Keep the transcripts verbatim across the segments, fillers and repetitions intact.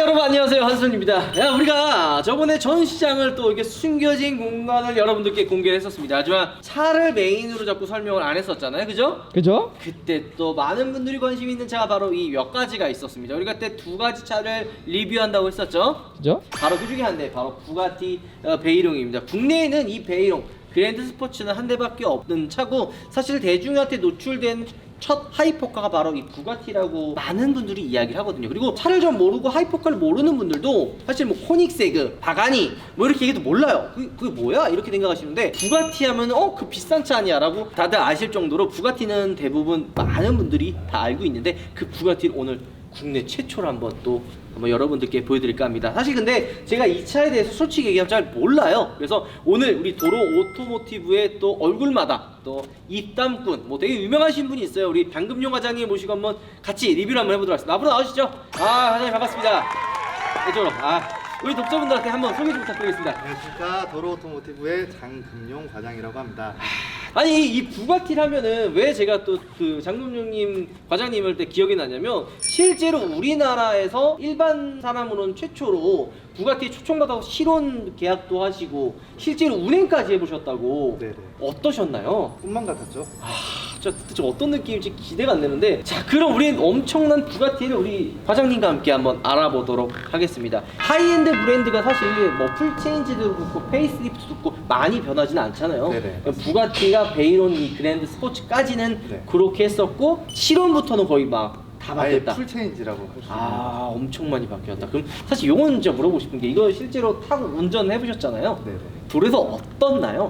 여러분 안녕하세요, 한순입니다. 야, 우리가 저번에 전시장을 또 이렇게 숨겨진 공간을 여러분들께 공개를 했었습니다. 하지만 차를 메인으로 자꾸 설명을 안 했었잖아요, 그죠? 그죠? 그때 또 많은 분들이 관심 있는 차가 바로 이 몇 가지가 있었습니다. 우리가 그때 두 가지 차를 리뷰한다고 했었죠. 그죠? 바로 그 중에 한 대, 바로 부가티 어, 베이롱입니다. 국내에는 이 베이롱 그랜드 스포츠는 한 대밖에 없는 차고, 사실 대중한테 노출된 첫 하이포카가 바로 이 부가티라고 많은 분들이 이야기를 하거든요. 그리고 차를 좀 모르고 하이포카를 모르는 분들도 사실 뭐 코닉세그, 바가니 뭐 이렇게 얘기도 몰라요. 그게, 그게 뭐야? 이렇게 생각하시는데, 부가티 하면 어? 그 비싼 차 아니야? 라고 다들 아실 정도로 부가티는 대부분 많은 분들이 다 알고 있는데, 그 부가티를 오늘 국내 최초로 한번 또 한번 여러분들께 보여드릴까 합니다. 사실 근데 제가 이 차에 대해서 솔직히 얘기하면 잘 몰라요. 그래서 오늘 우리 도로 오토모티브의 또 얼굴마다 또 입담꾼, 뭐 되게 유명하신 분이 있어요. 우리 장금용 과장님 모시고 한번 같이 리뷰를 한번 해보도록 하겠습니다. 앞으로 나오시죠. 아, 과장님 반갑습니다. 이쪽으로. 아, 우리 독자분들한테 한번 소개 좀 부탁드리겠습니다. 안녕하십니까. 도로 오토모티브의 장금용 과장이라고 합니다. 아니, 이 부가티를 하면은 왜 제가 또 그 장금용님 과장님을 때 기억이 나냐면, 실제로 우리나라에서 일반 사람으로는 최초로 부가티 초청받아서 실온 계약도 하시고 실제로 운행까지 해보셨다고. 네네. 어떠셨나요? 꿈만 같았죠. 아, 진짜 그때 좀 어떤 느낌일지 기대가 안 되는데, 자, 그럼 우린 엄청난 부가티를 우리 과장님과 함께 한번 알아보도록 하겠습니다. 하이엔드 브랜드가 사실 뭐 풀체인지도 그렇고 페이스리프트도 그렇고 많이 변하지는 않잖아요. 네네. 부가티가 베이론 이 그랜드 스포츠까지는 네. 그렇게 했었고, 실온부터는 거의 막 다 아예 바뀌었다. 풀체인지라고 할 수 있는. 아, 엄청 많이 바뀌었다. 그럼 사실 요건 진짜 물어보고 싶은 게, 이거 실제로 타고 운전해 보셨잖아요. 네네. 도로에서 어떻나요?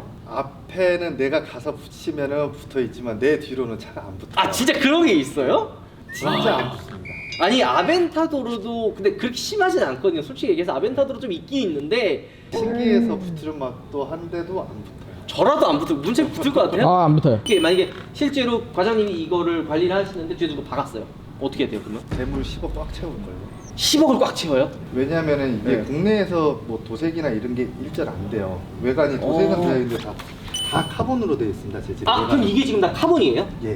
앞에는 내가 가서 붙이면은 붙어 있지만 내 뒤로는 차가 안 붙어. 아, 진짜 그런 게 있어요? 진짜 와. 안 붙습니다. 아니, 아벤타도로도 근데 그렇게 심하진 않거든요. 솔직히 얘기해서 아벤타도로 좀 있긴 있는데, 신기해서 붙으려 막또 한데도 안 붙어요. 저라도 안 붙을, 문제 붙을 것 같아요. 아, 안 붙어요. 이게 만약에 실제로 과장님이 이거를 관리를 하시는데 뒤에 누가 박았어요. 어떻게 돼요, 그러면? 재물 십억 꽉 채울 거예요. 십억을 꽉 채워요? 왜냐면은 이게 네. 국내에서 뭐 도색이나 이런 게 일절 안 돼요. 외관이 도색은 어. 되어 있는데 다, 다 카본으로 되어 있습니다. 재질이. 아, 그럼 외관은. 이게 지금 다 카본이에요? 예.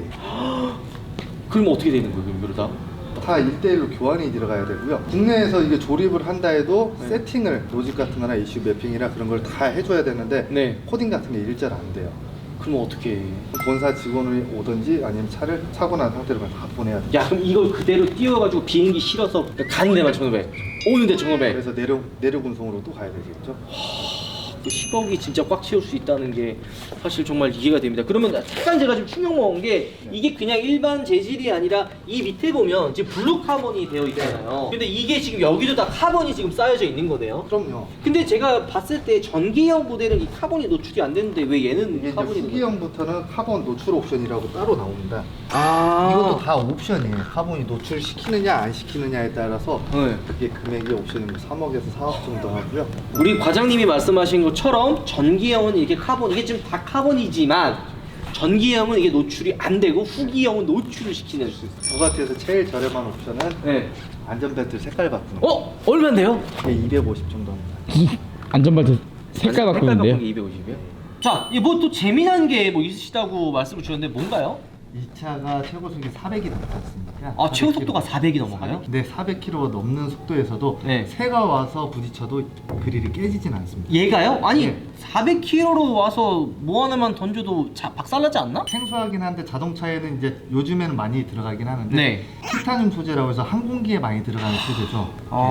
그럼 어떻게 되는 거예요, 그럼 이거 다? 다 일 대 일로 교환이 들어가야 되고요. 국내에서 이게 조립을 한다 해도 네. 세팅을 로직 같은 거나 이슈 매핑이나 그런 걸 다 해줘야 되는데 네. 코딩 같은 게 일절 안 돼요. 그럼 어떻게 해? 본사 직원이 오든지 아니면 차를 사고 난 상태로만 다 보내야 돼요. 야, 그럼 이걸 그대로 띄워가지고 비행기 실어서 가는 데만 천오백, 오는 데 천오백. 그래서 내륙, 내륙 운송으로 또 가야 되겠죠. 그 십억이 진짜 꽉 채울 수 있다는 게 사실 정말 이해가 됩니다. 그러면 약간 제가 지금 충격 먹은 게, 이게 그냥 일반 재질이 아니라 이 밑에 보면 지금 블루 카본이 되어 있잖아요. 근데 이게 지금 여기도 다 카본이 지금 쌓여져 있는 거네요. 그럼요. 근데 제가 봤을 때 전기형 모델은 이 카본이 노출이 안 되는데 왜 얘는 이게 이제 카본이 되는 거예요? 후기형부터는 카본 노출 옵션이라고 따로 나옵니다. 아, 이것도 다 옵션이에요. 카본이 노출시키느냐 안 시키느냐에 따라서 네. 그게 금액이 옵션이 삼억에서 사억 정도 하고요. 우리 과장님이 말씀하신 것처럼 전기형은 이렇게 카본, 이게 지금 다 카본이지만 전기형은 이게 노출이 안 되고 후기형은 노출을 시키는. 부가티에서 제일 저렴한 옵션은 네. 안전벨트 색깔 바꾸는 거. 어? 얼마인데요? 이게 이백오십 정도 합니다. 안전벨트 색깔 바꾸는데요? 바꾸는 게 이백오십이요? 자, 뭐 또 재미난 게 뭐 있으시다고 말씀을 주셨는데 뭔가요? 이 차가 최고 속이 사백이 넘지 않습니까? 아, 최고 속도가 사백이 넘어가요? 네, 사백 킬로미터 넘는 속도에서도 네. 새가 와서 부딪혀도 그릴이 깨지진 않습니다. 얘가요? 아니, 네. 사백 킬로미터로 와서 뭐 하나만 던져도 자, 박살나지 않나? 생소하긴 한데 자동차에는 이제 요즘에는 많이 들어가긴 하는데 네. 티타늄 소재라고 해서 항공기에 많이 들어가는 소재죠.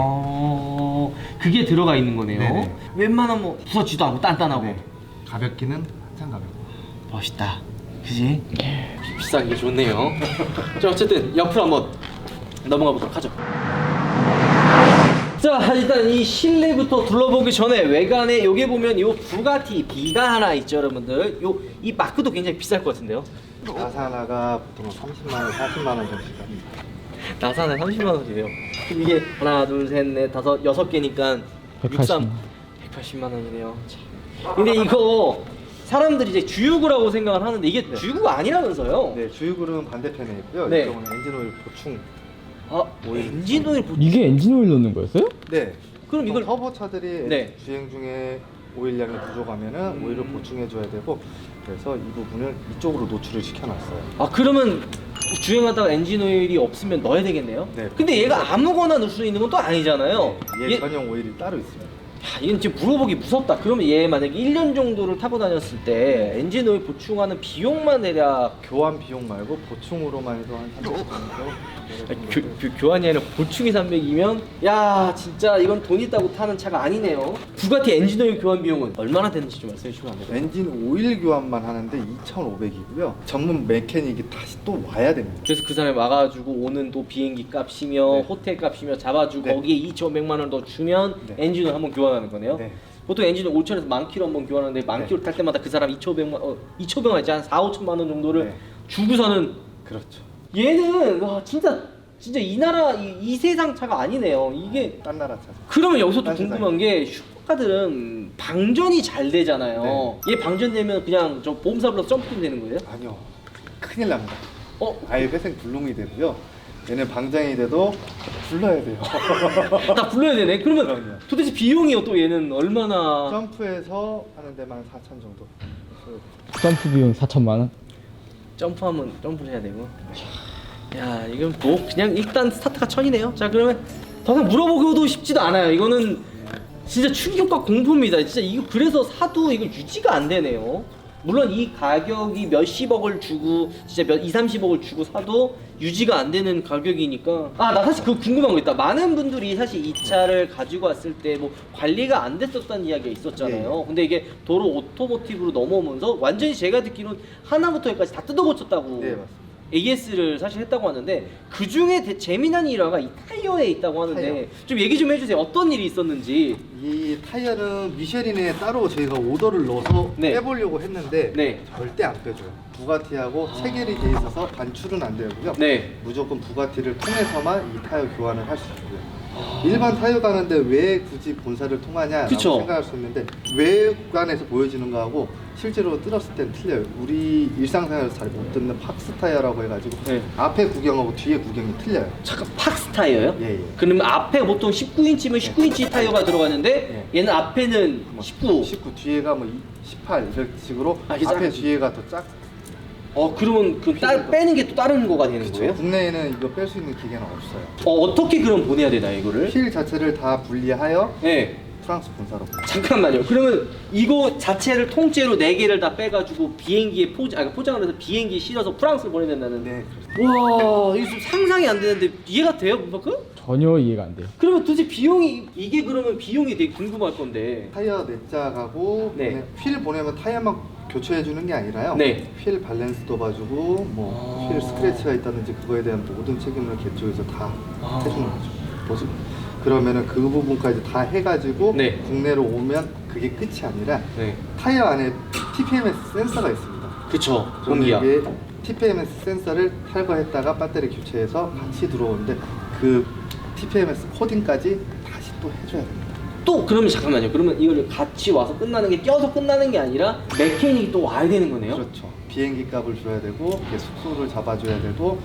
아, 그게 들어가 있는 거네요. 네네. 웬만하면 뭐 부서지도 않고 단단하고. 네. 가볍기는 한참 가볍고. 멋있다. 그지? 비싼 게 좋네요. 자, 어쨌든 옆으로 한번 넘어가 보도록 하죠. 자, 일단 이 실내부터 둘러보기 전에 외관에 요게 보면 요 부가티 B가 하나 있죠, 여러분들. 요 이 마크도 굉장히 비쌀 것 같은데요. 나사 하나가 보통 삼십만 원, 사십만 원 정도씩 합니다. 나사는 삼십만 원이래요. 그럼 이게 하나, 둘, 셋, 넷, 다섯, 여섯 개니까 백팔십. 백팔십만 원이네요. 참. 근데 이거 사람들이 이제 주유구라고 생각을 하는데 이게 네. 주유구가 아니라면서요? 네, 주유구는 반대편에 있고요. 네. 이쪽은 엔진오일 보충. 아, 엔진 오일 보... 이게 엔진 오일 넣는 거였어요? 네. 그럼 이걸 터보 차들이 네. 주행 중에 오일량이 부족하면은 음. 오일을 보충해 줘야 되고, 그래서 이 부분을 이쪽으로 노출을 시켜놨어요. 아, 그러면 주행하다가 엔진 오일이 없으면 넣어야 되겠네요. 네. 근데 얘가 아무거나 넣을 수 있는 건 또 아니잖아요. 얘, 얘- 전용 오일이 따로 있습니다. 야, 이건 지금 물어보기 무섭다. 그러면 얘 만약에 일 년 정도를 타고 다녔을 때 엔진 오일 보충하는 비용만 대략 교환 비용 말고 보충으로만 해도 한 삼백씩 정도. 아니, 교, 교, 교환이 아니라 보충이 삼백이면 야 진짜 이건 돈 있다고 타는 차가 아니네요. 부가티 엔진 오일 교환 비용은 얼마나 되는지 좀 말씀해 주시면 안 돼요? 엔진 오일 교환만 하는데 이천오백이고요. 전문 메케닉이 다시 또 와야 됩니다. 그래서 그 사람이 와가지고 오는 또 비행기 값이며 네. 호텔 값이며 잡아주고 네. 거기에 이천오백만 원 더 주면 네. 엔진을 한번 교환하는 거네요. 네. 보통 엔진을 오천에서 만 킬로 한번 교환하는데 만 네. 킬로 탈 때마다 그 사람 이천오백만 어, 이천오백만 원이지 한 사오천만 원 정도를 네. 주고서는 그렇죠. 얘는 와 진짜 진짜 이 나라 이, 이 세상 차가 아니네요. 이게 딴 나라 차. 그러면 여기서 또 딴 궁금한 게 슈퍼카들은 방전이 잘 되잖아요. 네. 얘 방전되면 그냥 저 보험사 불러서 점프팀 되는 거예요? 아니요. 큰일 납니다. 어? 아예 회생 불능이 되고요. 얘는 방장이 돼도 불러야 돼요. 다 불러야 되네. 그러면 그럼요. 도대체 비용이요 또 얘는 얼마나? 점프해서 하는 데만 사천 정도. 점프 비용 사천만 원? 점프하면 점프를 해야 되고. 야 이건 뭐 그냥 일단 스타트가 천이네요. 자 그러면 더 이상 물어보기도 쉽지도 않아요. 이거는 진짜 충격과 공포입니다. 진짜 이거 그래서 사도 이거 유지가 안 되네요. 물론 이 가격이 몇십억을 주고 진짜 몇 이삼십억을 주고 사도 유지가 안 되는 가격이니까. 아 나 사실 그거 궁금한 거 있다. 많은 분들이 사실 이 차를 가지고 왔을 때 뭐 관리가 안 됐었다는 이야기가 있었잖아요. 근데 이게 도로 오토모티브로 넘어오면서 완전히 제가 듣기로는 하나부터 열까지 다 뜯어 고쳤다고 네, 맞습니다. 에이에스를 사실 했다고 하는데 그 중에 재미난 일화가 이 타이어에 있다고 하는데 타이어. 좀 얘기 좀 해주세요. 어떤 일이 있었는지. 이 타이어는 미쉐린에 따로 저희가 오더를 넣어서 네. 빼보려고 했는데 네. 절대 안 빼줘요. 부가티하고 체결이 돼 있어서 반출은 안 되고요. 네. 무조건 부가티를 통해서만 이 타이어 교환을 할 수 있고요. 일반 타이어 가는데 왜 굳이 본사를 통하냐라고 그쵸. 생각할 수 있는데 외관에서 보여지는 거하고 실제로 뜯었을 땐 틀려요. 우리 일상생활에서 잘 못 듣는 팍스 타이어라고 해가지고 네. 앞에 구경하고 뒤에 구경이 틀려요. 잠깐 팍스 타이어요? 예, 예. 그러면 앞에 보통 십구 인치면 십구 인치 타이어가 들어가는데 얘는 앞에는 뭐 십구. 십구 뒤에가 뭐 십팔 이런 식으로 아, 이게 앞에 작- 뒤에가 더 작. 어 그러면 그 따, 빼는 게 또 다른 거가 되는 거예요? 국내에는 이거 뺄 수 있는 기계는 없어요. 어 어떻게 그럼 보내야 되나 이거를? 휠 자체를 다 분리하여 네. 프랑스 본사로 보내요. 잠깐만요. 그러면 이거 자체를 통째로 네 개를 다 빼가지고 비행기에 포장, 아 포장을 해서 비행기에 실어서 프랑스로 보내야 된다는. 네, 그렇습니다. 와 이거 좀 상상이 안 되는데 이해가 돼요, 문파크? 전혀 이해가 안 돼요. 그러면 도대체 비용이 이게 그러면 비용이 되게 궁금할 건데. 타이어 네 짝하고 네. 보내- 휠 보내면 타이어만 교체해 주는 게 아니라요. 네. 휠 밸런스도 봐주고 뭐 휠 아. 스크래치가 있다든지 그거에 대한 모든 책임을 개쪽에서 다 아. 해주는 거죠. 뭐지? 그러면은 그 부분까지 다 해가지고 네. 국내로 오면 그게 끝이 아니라 네. 타이어 안에 티피엠에스 센서가 있습니다. 그쵸. 그러면 공기야. 이게 티피엠에스 센서를 탈거했다가 배터리 교체해서 같이 들어오는데 그 티피엠에스 코딩까지 다시 또 해줘야 됩니다. 또 그러면 잠깐만요. 그러면 이걸 같이 와서 끝나는 게 껴서 끝나는 게 아니라 메케닉이 또 와야 되는 거네요. 그렇죠. 비행기 값을 줘야 되고 이게 숙소를 잡아줘야 되고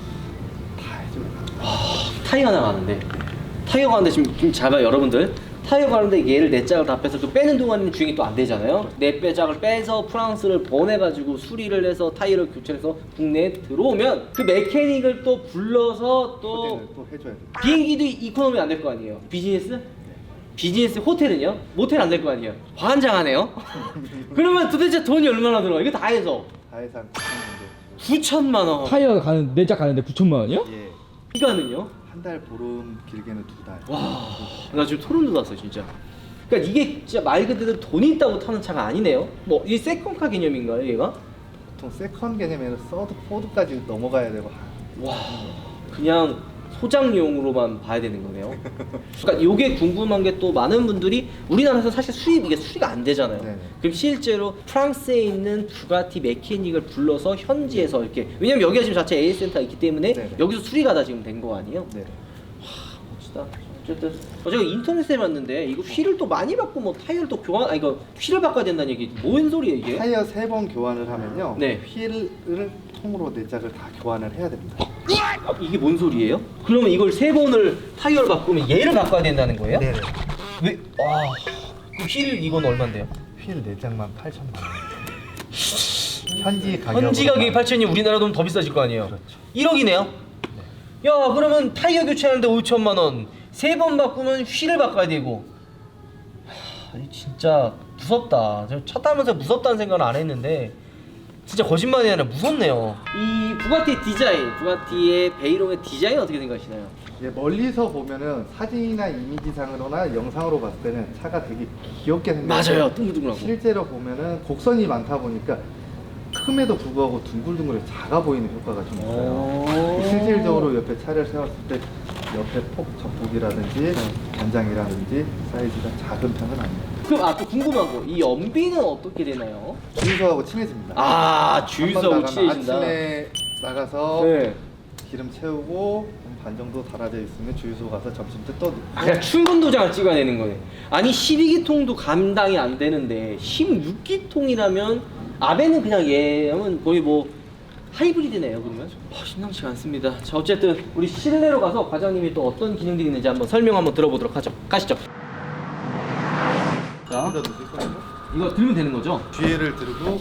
다 해줘야 됩니다. 타이어 하나 가는데 타이어 가는데 지금 좀 잡아요 여러분들. 타이어 가는데 얘를 네 짝을 다 빼서 또 빼는 동안에는 주행이 또 안 되잖아요. 네 빼짝을 빼서 프랑스를 보내가지고 수리를 해서 타이어를 교체해서 국내에 들어오면 그 메케닉을 또 불러서 또 코딩을 또 해줘야 됩니다. 비행기도 이코노미 안 될 거 아니에요. 비즈니스? 비즈니스 호텔은요? 모텔 안 될 거 아니에요. 환장하네요. 그러면 도대체 돈이 얼마나 들어? 이거 다 해서 다 해서 한 구천 정도. 구천만 원. 타이어 가는 내짝 가는데 구천만 원이요? 예. 이거는요? 한 달 보름 길게는 두 달. 와, 나 지금 소름 돋았어 진짜. 그러니까 이게 진짜 말 그대로 돈이 있다고 타는 차가 아니네요. 뭐 이게 세컨카 개념인가요, 얘가? 보통 세컨 개념에는 서드, 포드까지 넘어가야 되고. 와, 그냥 소장용으로만 봐야 되는 거네요. 그러니까 요게 궁금한 게 또 많은 분들이 우리나라에서 사실 수입 이게 수리가 안 되잖아요. 네네. 그럼 실제로 프랑스에 있는 부가티 메케닉을 불러서 현지에서 이렇게, 왜냐면 여기가 지금 자체 에이에스 센터가 있기 때문에 네네. 여기서 수리가 다 지금 된 거 아니에요? 네. 멋지다. 어쨌든 어, 제가 인터넷에 봤는데 이거 휠을 또 많이 바꾸 뭐 타이어를 또 교환, 아니 이거 휠을 바꿔야 된다는 얘기 뭔 소리예요 이게? 타이어 세 번 교환을 하면요. 네. 휠을 통으로 네 짝을 다 교환을 해야 됩니다. 아, 이게 뭔 소리예요? 그러면 이걸 세 번을 타이어를 바꾸면 얘를 바꿔야 된다는 거예요? 네네. 왜? 와, 그휠 이건 얼마인데요? 휠 네 짝만 팔천만 원. 현지 가격 현지 가격이 팔천이 우리나라 돈 더 비싸질 거 아니에요? 그렇죠. 일억이네요? 야 그러면 타이어 교체하는데 오천만 원, 세 번 바꾸면 휠을 바꿔야 되고. 하, 이 진짜 무섭다. 저 차 타면서 무섭다는 생각은 안 했는데 진짜 거짓말이 아니라 무섭네요. 이 부가티 디자인, 부가티의 베이롱의 디자인 어떻게 생각하시나요? 예, 멀리서 보면은 사진이나 이미지상으로나 영상으로 봤을 때는 차가 되게 귀엽게 생겼어요. 맞아요, 둥글둥글하고. 실제로 보면은 곡선이 많다 보니까 큼에도 불구하고 둥글둥글해 작아 보이는 효과가 좀 있어요. 오. 실질적으로 옆에 차를 세웠을 때 옆에 폭 접폭이라든지 변장이라든지 사이즈가 작은 편은 아니에요. 그럼 아 또 궁금한 거, 이 연비는 어떻게 되나요? 주유소하고 친해집니다. 아 한번 주유소하고 나가면 친해진다. 아침에 나가서 네. 기름 채우고 한 반 정도 달아져 있으면 주유소 가서 점심 때 또 넣고. 아, 그냥 충분 도장을 찍어야 되는 거네. 아니 십이 기통도 감당이 안 되는데 십육 기통이라면 아베는 그냥 얘는 거의 뭐 하이브리드네요. 그러면 아, 심상치가 않습니다. 자 어쨌든 우리 실내로 가서 과장님이 또 어떤 기능들이 있는지 한번 설명 한번 들어보도록 하죠. 가시죠. 자 여기다 넣으실 거예요? 이거 들면 되는 거죠? 뒤에를 들고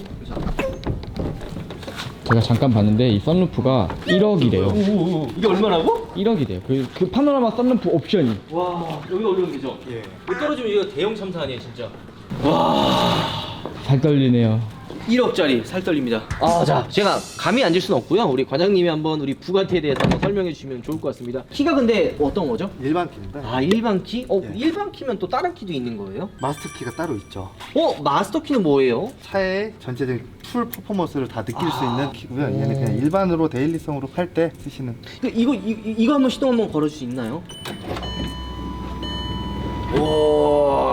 제가 잠깐 봤는데 이 썬루프가 일억이래요. 오오오 이게 얼마라고? 일억이래요. 그, 그 파노라마 썬루프 옵션이. 와 여기 올리면 되죠? 예. 이거 떨어지면 이거 대형 참사 아니에요 진짜. 와 잘 떨리네요. 일억짜리 살 떨립니다. 아, 자, 제가 감히 앉을 수는 없고요. 우리 과장님이 한번 우리 부가티에 대해서 한번 설명해 주시면 좋을 것 같습니다. 키가 근데 어떤 거죠? 일반 키입니다. 아, 일반 키? 어, 예. 일반 키면 또 다른 키도 있는 거예요? 마스터 키가 따로 있죠. 어, 마스터 키는 뭐예요? 차의 전체적인 풀 퍼포먼스를 다 느낄 수 아. 있는 키고요. 얘는 그냥 일반으로 데일리성으로 팔 때 쓰시는. 이거 이, 이- 이거 한번 시동 한번 걸어 줄 수 있나요? 오.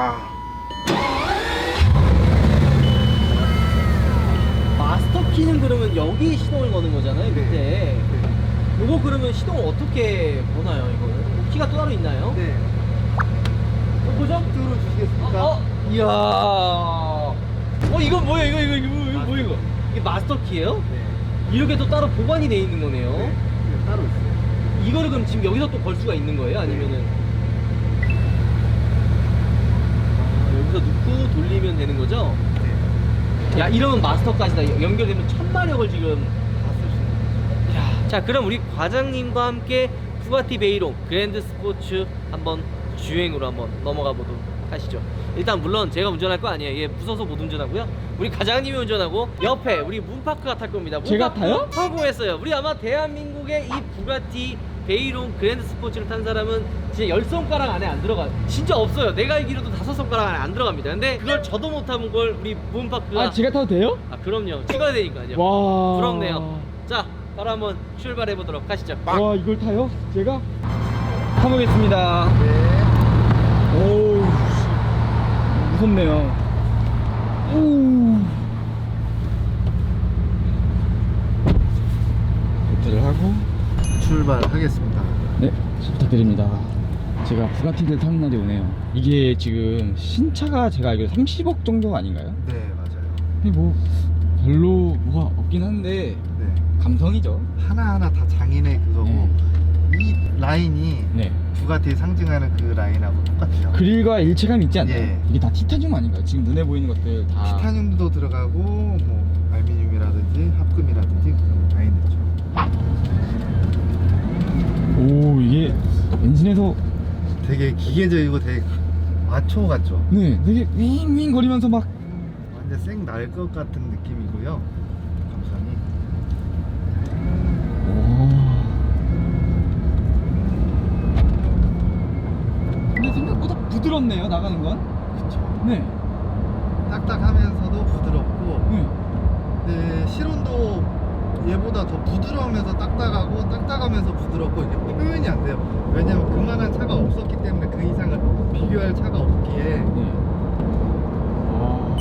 마스터 키는 그러면 여기 시동을 거는 거잖아요, 밑에. 네. 요거 그러면 시동을 어떻게 보나요, 이거는? 뭐 키가 또 따로 있나요? 네. 어, 보죠? 뚜루 주시겠습니까? 어, 어, 이야. 어, 이거 뭐야, 이거, 이거, 이거, 이거, 뭐야, 이거? 이게 마스터 키예요? 네. 이렇게 또 따로 보관이 돼 있는 거네요. 네. 네, 따로 있어요. 이거를 그럼 지금 여기서 또 걸 수가 있는 거예요? 아니면은? 아, 여기서 넣고 돌리면 되는 거죠? 네. 야, 이러면 마스터까지 다 연결되면 천마력을 지금. 다 쓸 수 있는 거죠. 야, 자, 그럼 우리 과장님과 함께 부가티 베이롱 그랜드 스포츠 한번 주행으로 한번 넘어가 보도록 하시죠. 일단 물론 제가 운전할 거 아니에요. 얘 무서워서 못 운전하고요. 우리 과장님이 운전하고 옆에 우리 문파크가 탈 겁니다. 제가 문파크 타요? 성공했어요. 우리 아마 대한민국의 이 부가티 베이롱 그랜드 스포츠를 탄 사람은 진짜 열 손가락 안에 안 들어가. 진짜 없어요. 내가 알기로도 다섯 손가락 안에 안 들어갑니다. 근데 그걸 저도 못하는 걸 우리 문파크가 아, 제가 타도 돼요? 아 그럼요. 찍어야 되니까요. 와. 부럽네요. 자, 바로 한번 출발해 보도록 하시죠. 와, 이걸 타요? 제가? 타보겠습니다. 네. 오우, 무섭네요. 오. 배트를 하고. 출발하겠습니다. 네, 부탁드립니다. 제가 부가티를 타는 날이 오네요. 이게 지금 신차가 제가 알기로 삼십억 정도 아닌가요? 네, 맞아요. 근데 뭐 별로 뭐가 없긴 한데 네. 감성이죠. 하나하나 다 장인의 그거고 네. 이 라인이 네. 부가티 상징하는 그 라인하고 똑같아요. 그릴과 일체감이 있지 않나요? 예. 이게 다 티타늄 아닌가요? 지금 눈에 보이는 것들 다. 티타늄도 들어가고 뭐 알루미늄이라든지 합금이라든지 그런 거 다 있죠. 오, 이게 엔진에서 되게 기계적이고 되게 마초 같죠. 네, 되게 윙윙 거리면서 막. 완전 쌩 날 것 같은 느낌이고요. 감성이. 오. 근데 생각보다 부드럽네요, 나가는 건. 그쵸. 네. 딱딱하면서도 부드럽고 네. 근데 실온도 얘보다 더 부드러우면서 딱딱하고 딱딱하면서 부드럽고 이게 표현이 안 돼요. 왜냐면 그만한 차가 없었기 때문에 그 이상을 비교할 차가 없기에 네. 아.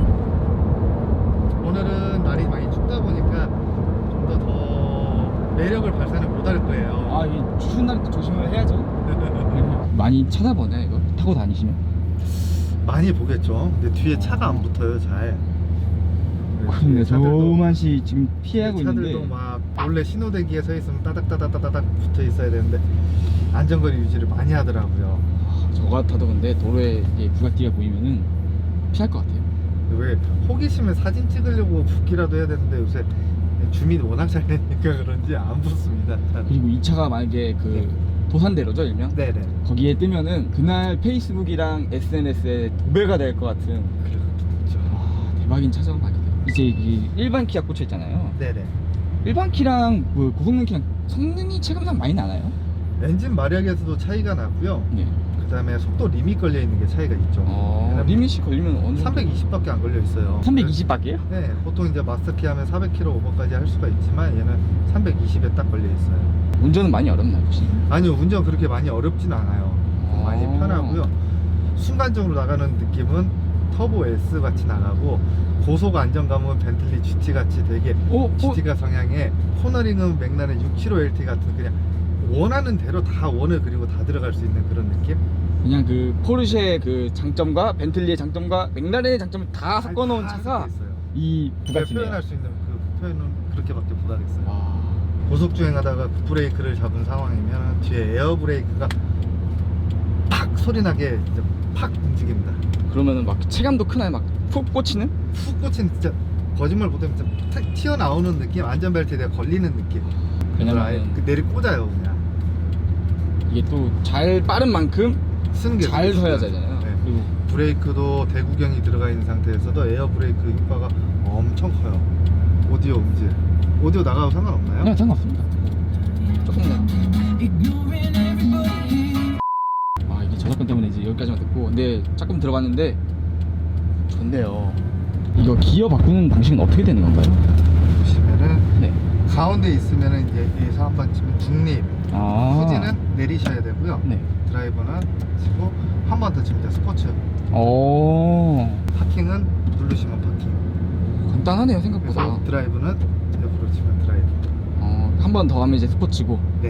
오늘은 날이 많이 춥다 보니까 좀 더 더 매력을 발산을 못할 거예요. 아, 이 추운 날에 또 조심을 해야죠. 많이 찾아보나요, 이거? 타고 다니시면? 많이 보겠죠. 근데 뒤에 차가 안 붙어요, 잘. 그런데 차들도- 저만시 지금 피하고 차들도 있는데. 막 원래 신호대기에 서 있으면 따닥따닥따닥 붙어 있어야 되는데 안전거리 유지를 많이 하더라고요. 아, 저 같아도 근데 도로에 이제 부가티가 보이면은 피할 것 같아요. 왜 호기심에 사진 찍으려고 붓기라도 해야 되는데 요새 주민이 워낙 잘 되니까 그런지 안 붙습니다. 그리고 이 차가 만약에 그 네. 도산대로죠 일명? 네네. 거기에 뜨면은 그날 페이스북이랑 에스엔에스에 도배가 될 것 같은 그렇죠. 와, 대박인 차죠 막. 이제 이 일반 키가 꽂혀 있잖아요. 네네. 일반 키랑 뭐 고성능 키랑 성능이 체감상 많이 나나요? 엔진 마력에서도 차이가 나고요. 네. 그다음에 속도 리밋 걸려 있는 게 차이가 있죠. 어, 왜냐면 리밋이 걸리면 어느 정도? 삼백이십밖에 안 걸려 있어요. 삼백이십 밖에요? 네, 보통 이제 마스터키 하면 사백 킬로미터 오버까지 할 수가 있지만 얘는 삼백이십에 딱 걸려 있어요. 운전은 많이 어렵나요 혹시? 아니요, 운전 그렇게 많이 어렵진 않아요. 아. 많이 편하고요. 순간적으로 나가는 느낌은 터보 S 같이 나가고, 고속 안정감은 벤틀리 지티 같이 되게 어? 어? 지티가 성향에, 코너링은 맥라렌 육백칠십오 엘티 같은 그냥 원하는 대로 다 원을 그리고 다 들어갈 수 있는 그런 느낌? 그냥 그 포르쉐의 그 장점과 벤틀리의 장점과 맥라렌의 장점을 다 섞어놓은 다 차가 섞여 있어요. 이 제가 부가티네요. 표현할 수 있는 그 표현은 그렇게밖에 못하겠어요. 와. 고속 주행하다가 브레이크를 잡은 상황이면 뒤에 에어 브레이크가 팍 소리나게 이제 팍 움직입니다. 그러면은 막 체감도 크나요? 막 푹 꽂히는? 푹 꽂힌 진짜 거짓말 못하면 진짜 탁 튀어나오는 느낌, 안전벨트에 내가 걸리는 느낌. 그걸 아예 왜냐면 그 내리 꽂아요 그냥. 이게 또 잘 빠른 만큼 쓰는 게 잘 되게 서야 중요하죠. 되잖아요. 네. 그리고 브레이크도 대구경이 들어가 있는 상태에서도 에어 브레이크 효과가 엄청 커요. 오디오 음질, 오디오 나가도 상관없나요? 그냥 상관없습니다. 조금만. 아 이게 저작권 때문에 이제 여기까지만 듣고, 근데 조금 들어봤는데 좋네요. 이거 기어 바꾸는 방식은 어떻게 되는 건가요? 보시면은 네. 가운데 있으면은 이제 여기서 한 번 치면 중립, 아. 후진은 내리셔야 되고요. 네. 드라이버는 치고 한 번 더 치면 이제 스포츠. 오. 파킹은 누르시면 파킹. 간단하네요 생각보다. 그래서 드라이브는 옆으로 치면 드라이브. 어, 한 번 더 하면 이제 스포츠고. 네.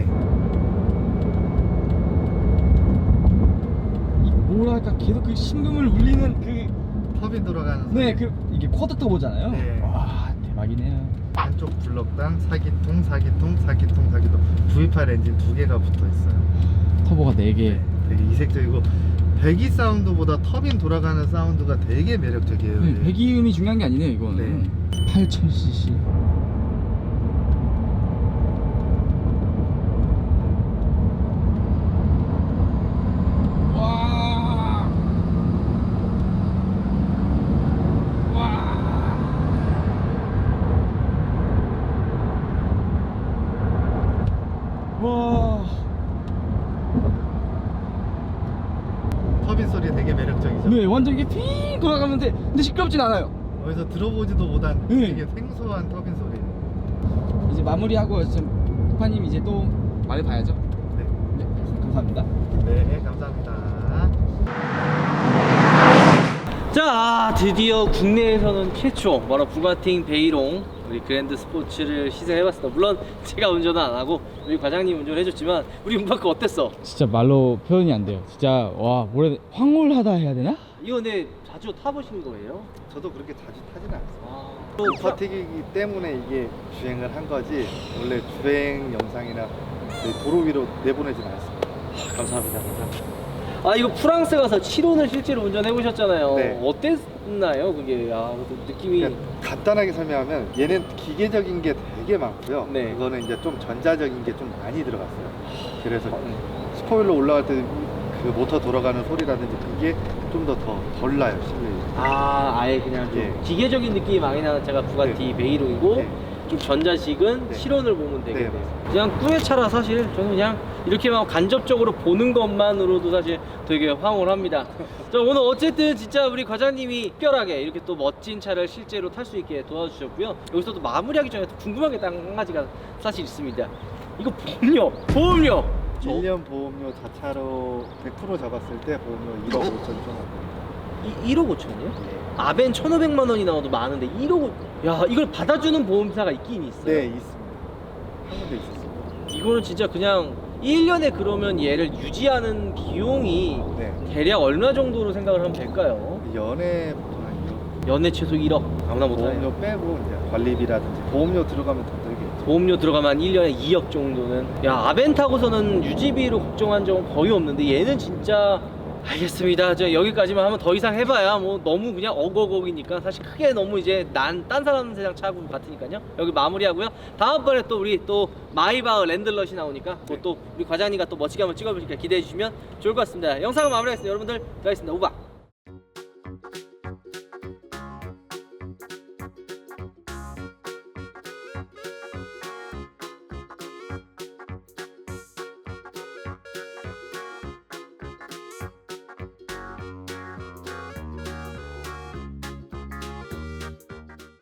이 뭐랄까 계속 그 심금을 울리는 그. 터빈 돌아가는 소리. 네, 그 이게 쿼드 터보잖아요. 네. 와 대박이네요. 한쪽 블럭당 사기통, 사기통, 사기통, 사기통. 브이 팔 엔진 두 개가 붙어 있어요. 터보가 네 개. 네, 되게 이색적이고 배기 사운드보다 터빈 돌아가는 사운드가 되게 매력적이에요. 네, 이게. 배기음이 중요한 게 아니네요 이거는. 네. 팔천 씨씨. 와. 와. 와. 터빈 소리 되게 매력적이죠. 네, 완전 이게 핑 돌아가는데 근데 시끄럽진 않아요. 어디서 들어보지도 못한 네. 되게 생소한 터빈 소리. 이제 마무리하고 지금 부파님 이제 또 말해봐야죠. 네, 네, 감사합니다. 네, 감사합니다. 자, 드디어 국내에서는 최초 바로 부가티 베이롱 우리 그랜드 스포츠를 시승해봤습니다. 물론 제가 운전은 안 하고 우리 과장님 운전해줬지만 우리 문바크 어땠어? 진짜 말로 표현이 안 돼요. 진짜 와 뭐래 황홀하다 해야 되나? 이거 근데 자주 타보신 거예요? 저도 그렇게 자주 타지는 않습니다. 아, 또 버티기 때문에 이게 주행을 한 거지 원래 주행 영상이나 도로 위로 내보내지는 않습니다. 감사합니다. 감사합니다. 아 이거 프랑스 가서 칠혼을 실제로 운전해 보셨잖아요. 네. 어땠나요? 그게 아 느낌이 그러니까 간단하게 설명하면 얘는 기계적인 게 되게 많고요. 네. 이거는 이제 좀 전자적인 게 좀 많이 들어갔어요. 그래서 음. 스포일러 올라갈 때 그 모터 돌아가는 소리라든지 그게 좀 더 더 덜 나요 실내에. 아 아예 그냥 좀 예. 기계적인 느낌이 많이 나는 차가 부가티 네. 베이롱이고 네. 좀 전자식은 네. 실온을 보면 되겠네요. 네, 그냥 꾸의 차라 사실 저는 그냥 이렇게만 간접적으로 보는 것만으로도 사실 되게 황홀합니다. 자, 오늘 어쨌든 진짜 우리 과장님이 특별하게 이렇게 또 멋진 차를 실제로 탈 수 있게 도와주셨고요. 여기서 또 마무리하기 전에 또 궁금한 게 딱 한 가지가 사실 있습니다. 이거 보험료, 보험료. 저 일 년 보험료 자차로 백 퍼센트 잡았을 때 보험료 일억 오천 좀 하고. 이, 일억 오천이요? 아벤 천오백만 원이 나와도 많은데 일억 오... 야 이걸 받아주는 보험사가 있긴 있어요? 네, 있습니다. 한 군데 있었습니다. 이거는 진짜 그냥 일 년에 그러면 얘를 유지하는 비용이 네. 대략 얼마 정도로 생각을 하면 될까요? 연애 보통 한 일억. 연애 최소 일억 아무나 못하네요. 보험료 빼고 이제 관리비라든지 보험료 들어가면 더 들겠죠. 보험료 들어가면 일 년에 이억 정도는. 야 아벤 타고서는 유지비로 걱정한 적은 거의 없는데 얘는 진짜 알겠습니다. 저 여기까지만 하면 더 이상 해봐야 뭐 너무 그냥 어거거기니까 사실 크게 너무 이제 난 딴 사람 세상 차고 같으니까요. 여기 마무리하고요. 다음번에 또 우리 또 마이바흐 랜들럿이 나오니까 그것도 우리 과장님과 또 멋지게 한번 찍어보시니까 기대해 주시면 좋을 것 같습니다. 영상을 마무리하겠습니다. 여러분들, 들어가겠습니다. 우바.